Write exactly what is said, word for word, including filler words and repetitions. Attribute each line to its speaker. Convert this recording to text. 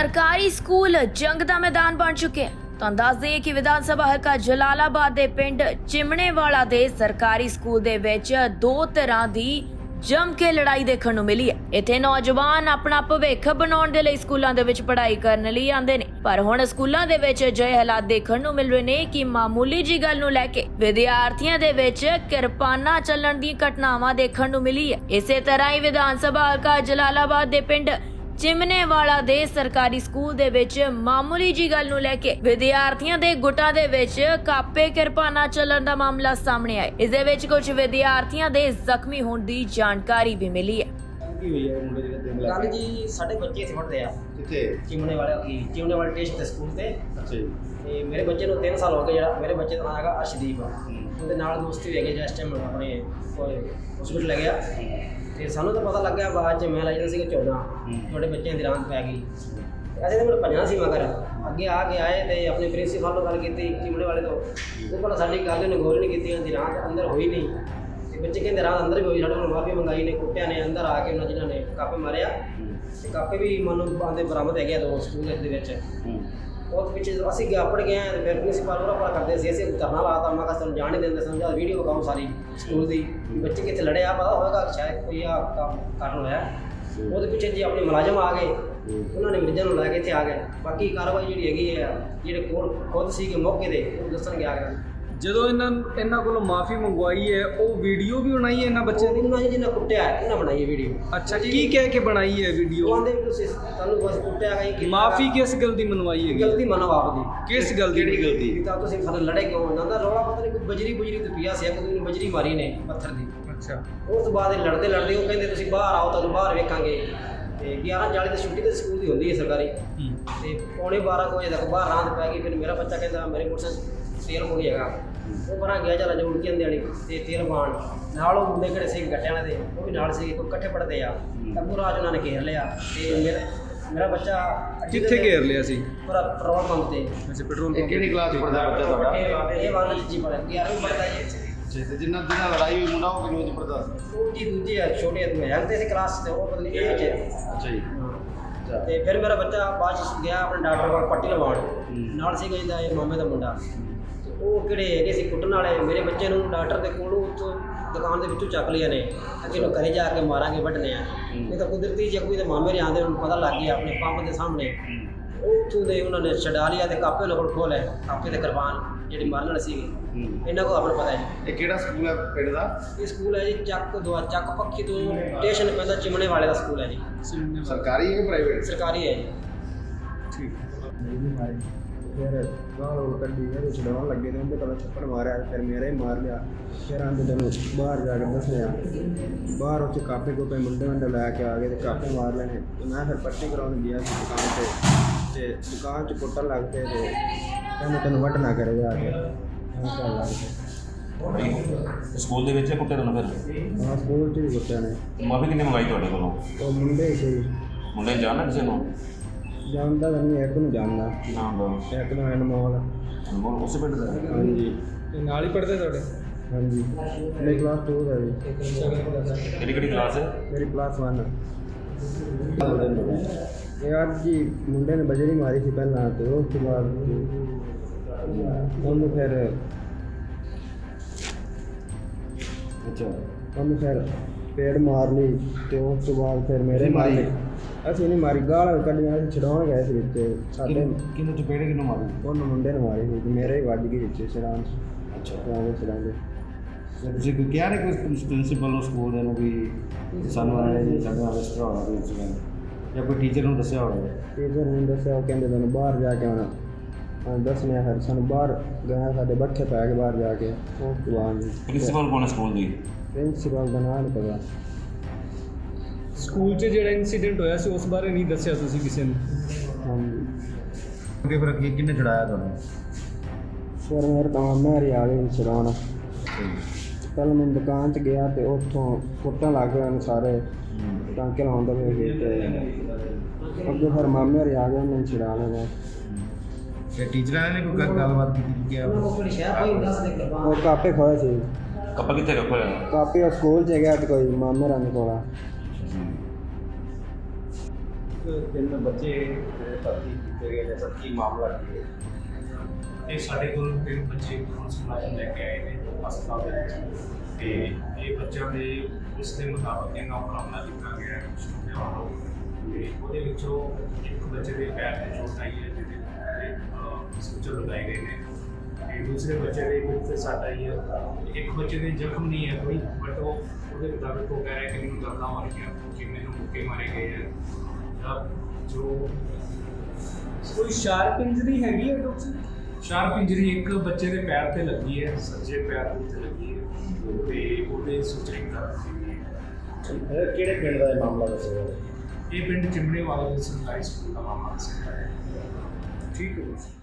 Speaker 1: सरकारी स्कूल जंग का मैदान बन चुके हैं। तो दस दईए कि विधान सभा हल्का जलालाबाद के पिंड चिमनेवाला के सरकारी स्कूल दे विच दो तरह की जम के लड़ाई देखने को मिली है। इत्थे नौजवान अपना भविख बनाउण दे लई स्कूलों दे विच पढ़ाई करने लई आंदे ने, पर हुण स्कूलों दे विच अजिहे हालात देखने को मिल रहे ने कि मामूली जी गल नूं लैके विद्यार्थियों दे विच किरपानां चलण दी घटनावां देखने को मिली है। इसे तरह ही विधान सभा हल्का जलालाबाद दे पिंड चिमनेवाला दे सरकारी स्कूल दे विच मामूली जी गल नूं लैके विद्यार्थियों दे गुटां दे विच कापे किरपानां चलण दा मामला सामने आया। इस दे विच कुछ विद्यार्थियों दे जख्मी होण दी जानकारी भी मिली है।
Speaker 2: कल जी साढ़े बच्चे इत्थे पढ़दे आ किथे चिमनेवाले की चिमनेवाले टेस्ट ते स्कूल ते अच्छा जी ते मेरे बच्चे नूं तीन साल हो गए। जेड़ा मेरे बच्चे दा नाम हैगा अर्शदीप ਉਹਦੇ ਨਾਲ ਦੋਸਤੀ ਹੋ ਗਈ। ਜਿਸ ਟਾਈਮ ਆਪਣੇ ਹਸਪੀਟਲ ਲੈ ਗਿਆ ਤੇ ਸਾਨੂੰ ਤਾਂ ਪਤਾ ਲੱਗਿਆ ਬਾਅਦ ਚ ਮੈਂ ਲੈ ਜਾਂਦਾ ਸੀਗਾ ਚੌਦਾਂ ਤੁਹਾਡੇ ਬੱਚਿਆਂ ਦੀ ਰਾਂਦ ਪੈ ਗਈ। ਅਸੀਂ ਤਾਂ ਮੈਨੂੰ ਭੱਜਣਾ ਸੀ ਮਗਰ ਅੱਗੇ ਆ ਕੇ ਆਏ ਤੇ ਆਪਣੇ ਪ੍ਰਿੰਸੀਪਲ ਨਾਲ ਗੱਲ ਕੀਤੀ ਚਿਮਨੇ ਵਾਲੇ ਤੋਂ। ਉਹ ਕੋਲ ਸਾਡੀ ਗੱਲ ਨੇ ਗੌਰ ਨਹੀਂ ਕੀਤੀ, ਉਹਦੀ ਰਾਂਦ ਅੰਦਰ ਹੋਈ ਨਹੀਂ ਤੇ ਬੱਚੇ ਕਹਿੰਦੇ ਰਾਂਦ ਅੰਦਰ ਵੀ ਹੋਈ। ਸਾਡੇ ਕੋਲ ਮਾਫੀ ਮੰਗਾਈ ਨੇ, ਕੁੱਟਿਆ ਨੇ ਅੰਦਰ ਆ ਕੇ ਉਹਨਾਂ ਜਿਨ੍ਹਾਂ ਨੇ ਕਾਪੇ ਮਾਰਿਆ ਤੇ ਕਾਪੇ ਵੀ ਮਨ ਆਂਦੇ ਬਰਾਮਦ ਹੈਗੇ ਦੋ ਸਕੂਲ ਦੇ ਵਿੱਚ। ਉਹ ਪਿੱਛੇ ਅਸੀਂ ਗਿਆ ਪੜ ਗਏ ਤੇ ਫਿਰ ਪ੍ਰਿੰਸੀਪਲ ਉਹਨਾਂ ਕੋਲ ਕਰਦੇ ਸੀ ਅਸੀਂ ਧਰਨਾ ਲਾਤਾ। ਮੈਂ ਕਿਹਾ ਸਾਨੂੰ ਜਾਣ ਨਹੀਂ ਦਿੰਦੇ, ਸਮਝਾ ਵੀਡੀਓ ਵਿਖਾਓ ਸਾਰੀ ਸਕੂਲ ਦੀ ਬੱਚੇ ਕਿੱਥੇ ਲੜਿਆ ਪਤਾ ਹੋਵੇਗਾ ਸ਼ਾਇਦ ਕੋਈ ਆ ਕੰਮ ਕਰਨ ਹੋਇਆ। ਉਹਦੇ ਪਿੱਛੇ ਜੀ ਆਪਣੇ ਮੁਲਾਜ਼ਮ ਆ ਗਏ, ਉਹਨਾਂ ਨੇ ਮਰੀਜ਼ਾਂ ਨੂੰ ਲੈ ਕੇ ਇੱਥੇ ਆ ਗਏ। ਬਾਕੀ ਕਾਰਵਾਈ ਜਿਹੜੀ ਹੈਗੀ ਹੈ ਜਿਹੜੇ ਕੋਲ ਖੁਦ ਸੀਗੇ ਮੌਕੇ ਦੇ ਉਹ ਦੱਸਣਗੇ ਆ ਗਏ।
Speaker 3: ਜਦੋਂ ਇਹਨਾਂ ਇਹਨਾਂ ਕੋਲੋਂ ਮਾਫੀ ਮੰਗਵਾਈ ਹੈ ਉਹ ਵੀਡੀਓ ਵੀ ਬਣਾਈ ਹੈ ਇਹਨਾਂ ਬੱਚਿਆਂ ਦੀ?
Speaker 2: ਉਹਨਾਂ ਨੇ ਜਿਹਨਾਂ ਕੁੱਟਿਆ ਉਹਨਾਂ ਬਣਾਈ ਹੈ ਵੀਡੀਓ।
Speaker 3: ਅੱਛਾ, ਕੀ ਕਹਿ ਕੇ ਬਣਾਈ ਹੈ ਵੀਡੀਓ?
Speaker 2: ਉਹ ਆਂਦੇ ਵੀ ਤੁਸੀਂ ਤੁਹਾਨੂੰ ਬਸ ਕੁੱਟਿਆ ਗਈ ਕਿ
Speaker 3: ਮਾਫੀ ਕਿਸ ਗੱਲ ਦੀ ਮੰਗਵਾਈ ਹੈ?
Speaker 2: ਗਲਤੀ ਮੰਨੋ ਆਪ ਦੀ।
Speaker 3: ਕਿਸ ਗੱਲ ਦੀ ਗਲਤੀ?
Speaker 2: ਤਾਂ ਤੁਸੀਂ ਫਿਰ ਲੜੇ ਕਿਉਂ? ਉਹਨਾਂ ਦਾ ਰੌਲਾ ਪਤਾ ਨਹੀਂ ਕੋਈ ਬਜਰੀ ਬੁਜਰੀ ਤੇ ਪਿਆ ਸੀ, ਇੱਕ ਦੂਜੇ ਨੂੰ ਬਜਰੀ ਮਾਰੀ ਨੇ ਪੱਥਰ ਦੀ।
Speaker 3: ਅੱਛਾ,
Speaker 2: ਉਸ ਤੋਂ ਬਾਅਦ ਇਹ ਲੜਦੇ ਲੜਦੇ ਉਹ ਕਹਿੰਦੇ ਤੁਸੀਂ ਬਾਹਰ ਆਓ, ਤੁਹਾਨੂੰ ਬਾਹਰ ਵੇਖਾਂਗੇ। ਤੇ ਗਿਆਰਾਂ ਚਾਲੀ ਤੇ ਛੁੱਟੀ ਤੇ ਸਕੂਲ ਦੀ ਹੁੰਦੀ ਹੈ ਸਰਕਾਰੀ ਤੇ ਪੌਣੇ ਬਾਰਾਂ ਕੁ ਵਜੇ ਤੱਕ ਬਾਹਰ ਰਾਂਦ ਪੈ ਗਈ। ਫਿਰ ਮੇਰਾ ਬੱਚਾ ਕਹਿੰਦਾ ਮੇਰੇ ਮੋਟਰਸਾਈਕਲ ਤੇਲ ਕੋਲ ਹੈਗਾ, ਉਹ ਬਣਾ ਗਿਆ ਚੱਲ ਜੋੜ ਕੇ ਆਂਦੇ ਵਾਲੀ ਤੇ ਤੇਲ ਪਾਣ ਨਾਲ ਉਹ ਮੁੰਡੇ ਕਿਹੜੇ ਸੀ ਗੱਟਿਆਂ ਵਾਲੇ ਦੇ ਉਹ ਵੀ ਨਾਲ ਸੀ, ਕੋਈ ਇਕੱਠੇ ਪੜਦੇ ਆ ਤਾਂ ਪੂਰਾ ਅੱਜ ਉਹਨਾਂ ਨੇ ਘੇਰ ਲਿਆ। ਤੇ ਮੇਰਾ ਮੇਰਾ ਬੱਚਾ
Speaker 3: ਕਿੱਥੇ ਘੇਰ ਲਿਆ ਸੀ?
Speaker 2: ਪੂਰਾ ਪੈਟਰੋਲ ਪੰਪ ਤੇ।
Speaker 3: ਅੱਛਾ, ਪੈਟਰੋਲ ਪੰਪ।
Speaker 4: ਕਿਹੜੀ ਕਲਾਸ ਪੜਦਾ ਬੱਚਾ ਤੁਹਾਡਾ?
Speaker 2: ਇਹ ਵਾਲਾ ਜੀ ਪੜਦਾ ਗਿਆਰਵੀਂ ਪੜਦਾ ਜੀ।
Speaker 4: ਤੇ ਜਿੰਨਾ ਜਿੰਨਾ ਲੜਾਈ ਹੋਈ ਮੁੰਡਾ ਉਹ ਕਿੰਨੀ ਵਿੱਚ ਪੜਦਾ?
Speaker 2: ਉਹ ਜੀ ਦੂਜੀ ਆ ਛੋਟੇ ਆਦਮੀ ਆ ਤੇ ਕਲਾਸ ਤੇ ਉਹ ਪਤਾ ਨਹੀਂ ਇਹ ਚ।
Speaker 4: ਅੱਛਾ ਜੀ।
Speaker 2: ਤੇ ਫਿਰ ਮੇਰਾ ਬੱਚਾ ਬਾਅਦ ਚ ਗਿਆ ਆਪਣੇ ਡਾਕਟਰ ਕੋਲ ਪੱਟੀ ਲਵਾਉਣ, ਨਾਲ ਸੀ ਕਹਿੰਦਾ ਇਹ ਮਾਮੇ ਦਾ ਮੁੰਡਾ। ਉਹ ਕਿਹੜੇ ਹੈਗੇ ਸੀ ਕੁੱਟਣ ਵਾਲੇ ਮੇਰੇ ਬੱਚੇ ਨੂੰ ਡਾਕਟਰ ਦੇ ਕੋਲੋਂ ਉੱਥੋਂ ਦੁਕਾਨ ਦੇ ਵਿੱਚੋਂ ਚੱਕ ਲਿਆ ਨੇ। ਅੱਗੇ ਨੂੰ ਘਰੇ ਜਾ ਕੇ ਮਾਰਾਂਗੇ ਵੱਢਣੇ ਆ। ਇਹ ਤਾਂ ਕੁਦਰਤੀ ਜੇ ਕੋਈ ਤਾਂ ਮਾਮੇ ਦੇ ਆਉਂਦੇ ਉਹਨੂੰ ਪਤਾ ਲੱਗ ਗਿਆ ਆਪਣੇ ਪੰਪ ਦੇ ਸਾਹਮਣੇ। ਉਹ ਉੱਥੋਂ ਦੇ ਉਹਨਾਂ ਨੇ ਛਡਾ ਲਿਆ ਤੇ ਕਾਪੇ ਉਹਨਾਂ ਕੋਲ ਖੋਹ ਲਏ, ਕਾਪੇ ਤੇ ਕਿਰਪਾਨ ਜਿਹੜੀ ਮਾਰਨ ਵਾਲੀ ਸੀਗੀ। ਇਹਨਾਂ ਕੋਲ ਆਪਣਾ ਪਤਾ ਹੈ ਜੀ।
Speaker 4: ਇਹ ਕਿਹੜਾ ਸਕੂਲ ਹੈ ਪਿੰਡ ਦਾ? ਇਹ
Speaker 2: ਸਕੂਲ ਹੈ ਜੀ ਚੱਕ ਦੁਆ ਚੱਕ ਪੱਖੀ ਤੋਂ ਸਟੇਸ਼ਨ ਪੈਂਦਾ ਚਿਮਣੇ ਵਾਲੇ ਦਾ ਸਕੂਲ ਹੈ ਜੀ।
Speaker 4: ਸਰਕਾਰੀ ਹੈ ਕਿ ਪ੍ਰਾਈਵੇਟ?
Speaker 2: ਸਰਕਾਰੀ ਹੈ ਜੀ।
Speaker 3: ਠੀਕ।
Speaker 5: फिर गाल गोल कड्डी मेरे छड़ान लगे थे उनके पता छप्पड़ मारा, फिर मेरा ही मार लिया। फिर आंदे तेन बाहर जाकर दस लिया, बाहर उस कापे कूपे मुंडे मुंडे लैके आ गए तो कापे मार लेने। तो मैं फिर पट्टी कराने गया दुकान से ते दुकान च कुट्टन लग पे तो कहने तेन वट ना करे जाके चल लग पे
Speaker 6: ਸਕੂਲ ਦੇ ਵਿੱਚ ਕੁੱਟੇ ਤੁਹਾਨੂੰ ਫਿਰ?
Speaker 5: हाँ स्कूल च भी कुट्टिया ने।
Speaker 6: ਮਾਫੀ ਕਿੰਨੇ ਮੰਗਾਈ ਤੁਹਾਡੇ ਕੋਲੋਂ?
Speaker 5: तो मुंडे ही सी
Speaker 6: ਮੁੰਡੇ ਜਾਣਦਾ ਕਿਸੇ ਨੂੰ?
Speaker 5: जानता तो नहीं, एक नूं जानदा,
Speaker 6: ਨਾਮ ਦਾ
Speaker 5: एक नूं अनमोल।
Speaker 6: ਅਨਮੋਲ ਉਸੇ ਪਿੰਡ ਦਾ?
Speaker 5: हाँ जी
Speaker 3: ਨਾਲ ਹੀ ਪੜਦੇ ਤੁਹਾਡੇ?
Speaker 5: हाँ जी मेरी क्लास टू है जी।
Speaker 6: ਕਿਹੜੀ ਕਿਹੜੀ ਕਲਾਸ ਹੈ?
Speaker 5: मेरी क्लास वन। यार जी मुंडे ने बजरी मारी थी पहला, तो उसके बाद उन्होंने फिर
Speaker 4: ਅੱਛਾ
Speaker 5: उन्होंने फिर पेड़ मार ली तो उस तो बाद फिर मेरे मार ली। ਅਸੀਂ ਨਹੀਂ ਮਾਰੀ, ਗਾਲ ਕੱਢੀਆਂ ਅਸੀਂ ਛਡਾਉਣ ਗਏ ਸੀ ਵਿੱਚ ਸਾਡੇ।
Speaker 4: ਕਿਹਨੂੰ ਚਪੇੜੇ ਕਿਹਨੂੰ ਮਾਰੀ?
Speaker 5: ਉਹਨੂੰ ਮੁੰਡੇ ਨੇ ਮਾਰੀ ਸੀ, ਮੇਰੇ ਹੀ ਵੱਜ ਗਈ ਵਿੱਚ ਛਡਾਉਣ।
Speaker 4: ਅੱਛਾ,
Speaker 5: ਛਡਾਉਂਦੇ ਛਡਾਉਂਦੇ
Speaker 4: ਤੁਸੀਂ ਕੋਈ ਕਿਹਾ ਨਹੀਂ ਕੋਈ ਪ੍ਰਿੰਸੀਪਲ ਨੂੰ ਸਕੂਲ ਦੇ ਨੂੰ ਵੀ ਸਾਨੂੰ ਆਣੇ ਜੀ ਸਾਡਾ ਰਜਿਸਟਰ ਹੋਣਾ ਕੋਈ ਇੰਸੀਡੈਂਟ ਜਾਂ ਕੋਈ ਟੀਚਰ ਨੂੰ ਦੱਸਿਆ ਹੋਵੇ?
Speaker 5: ਟੀਚਰ ਨੂੰ ਦੱਸਿਆ, ਉਹ ਕਹਿੰਦੇ ਤੁਹਾਨੂੰ ਬਾਹਰ ਜਾ ਕੇ ਆਉਣਾ। ਹਾਂ ਦੱਸਣੇ ਫਿਰ ਸਾਨੂੰ ਬਾਹਰ ਗਏ, ਸਾਡੇ ਬੱਠੇ ਪੈ ਕੇ ਬਾਹਰ ਜਾ ਕੇ। ਉਸ ਤੋਂ ਬਾਅਦ
Speaker 6: ਪ੍ਰਿੰਸੀਪਲ ਕੌਣ ਹੈ ਸਕੂਲ ਦੀ?
Speaker 5: ਪ੍ਰਿੰਸੀਪਲ ਦਾ ਨਾਂ ਨਹੀਂ ਪਤਾ।
Speaker 3: ਸਕੂਲ 'ਚ ਜਿਹੜਾ ਇਨਸੀਡੈਂਟ ਹੋਇਆ ਸੀ ਉਸ ਬਾਰੇ ਨਹੀਂ ਦੱਸਿਆ ਤੁਸੀਂ ਕਿਸੇ ਨੂੰ?
Speaker 5: ਹਾਂਜੀ।
Speaker 4: ਅੱਗੇ ਫਿਰ ਕੀ ਕਿੰਨੇ ਛੜਾਇਆ ਤੁਹਾਨੂੰ?
Speaker 5: ਫਿਰ ਮੇਰੇ ਤਾਂ ਮੇਰੀ ਆ ਗਈ ਛਡਾਉਣ। ਪਹਿਲਾਂ ਮੈਂ ਦੁਕਾਨ 'ਚ ਗਿਆ ਤੇ ਉੱਥੋਂ ਕੁੱਟਣ ਲੱਗ ਗਏ ਉਹਨੂੰ ਸਾਰੇ, ਟਾਂਕੇ ਲਾਉਂਦੇ ਪਏ ਸੀ ਤੇ ਅੱਗੇ ਫਿਰ ਮਾਮੇ ਹੋਰੀ ਆ ਗਏ, ਉਹਨੇ ਛਡਾ ਲਿਆ।
Speaker 4: ਤੇ ਟੀਚਰਾਂ ਨੇ ਕੋਈ ਗੱਲਬਾਤ ਕੀਤੀ ਕਿ
Speaker 2: ਉਹ ਕਿਹੜੀ ਸ਼ਹਿਰ ਕੋਈ ਦੱਸ ਦੇ ਕਿਰਪਾਨ
Speaker 5: ਉਹ ਕਾਪੇ ਖੋਏ ਸੀ।
Speaker 6: ਕੱਪਾ ਕਿੱਥੇ ਰੱਖੋ ਹੋਇਆ?
Speaker 5: ਕਾਪੇ ਉਹ ਸਕੂਲ 'ਚ ਗਿਆ ਤੇ ਕੋਈ ਮਾਮੇ ਰਾਂ ਕੋਲ। ਤਿੰਨ ਬੱਚੇ ਜਿਹੜੇ ਭਰਤੀ ਕੀਤੇ ਗਏ ਨੇ ਸਰ ਕੀ ਮਾਮਲਾ ਕੀ ਹੈ?
Speaker 7: ਇਹ ਸਾਡੇ ਕੋਲ ਤਿੰਨ ਬੱਚੇ ਪੁਲਿਸ ਮੁਲਾਜ਼ਮ ਲੈ ਕੇ ਆਏ ਨੇ ਹਸਪਤਾਲ ਦੇ ਵਿੱਚ ਤੇ ਇਹ ਬੱਚਿਆਂ ਦੇ ਉਸ ਦੇ ਮੁਤਾਬਕ ਇਹਨਾਂ ਉੱਪਰ ਹਮਲਾ ਕੀਤਾ ਗਿਆ ਹੈ ਕੁਛ ਮੁੰਡਿਆਂ ਵੱਲੋਂ ਤੇ ਉਹਦੇ ਵਿੱਚੋਂ ਇੱਕ ਬੱਚੇ ਦੇ ਪੈਰ ਤੇ ਚੋਟ ਆਈ ਹੈ ਜਿਹਦੇ ਤੇ ਸੂਚਰ ਲਗਾਏ ਗਏ ਨੇ ਤੇ ਦੂਸਰੇ ਬੱਚੇ ਦੇ ਵਿੱਚ ਤੇ ਸੱਟ ਆਈ ਹੈ। ਇੱਕ ਬੱਚੇ ਦੇ ਜ਼ਖਮ ਨਹੀਂ ਹੈ ਕੋਈ ਬਟ ਉਹ ਉਹਦੇ ਮੁਤਾਬਕ ਉਹ ਕਹਿ ਰਿਹਾ ਕਿ ਮੈਨੂੰ ਦਰਦਾਂ ਮਾਰ ਗਿਆ ਕਿ ਮੈਨੂੰ ਮੁੱਕੇ ਮਾਰੇ ਗਏ ਹੈ ਜਾਂ ਜੋ
Speaker 3: ਕੋਈ ਸ਼ਾਰਪ ਇੰਜਰੀ ਹੈਗੀ ਹੈ ਡਾਕਟਰ?
Speaker 7: ਸ਼ਾਰਪ ਇੰਜਰੀ ਇੱਕ ਬੱਚੇ ਦੇ ਪੈਰ ਤੇ ਲੱਗੀ ਹੈ, ਸੱਜੇ ਪੈਰ ਦੇ ਉੱਤੇ ਲੱਗੀ ਹੈ ਤੇ ਉਹਦੇ ਸੂਚਰਿੰਗ ਦਰਦ ਸੀ।
Speaker 5: ਇਹ ਕਿਹੜੇ ਪਿੰਡ ਦਾ ਇਹ ਮਾਮਲਾ ਦੱਸਿਆ?
Speaker 7: ਇਹ ਪਿੰਡ ਚਿਮਣੇ ਵਾਲੇ ਦੇ ਸਰਕਾਰੀ ਸਕੂਲ ਦਾ ਮਾਮਲਾ ਸੀ।
Speaker 3: ਠੀਕ ਹੈ।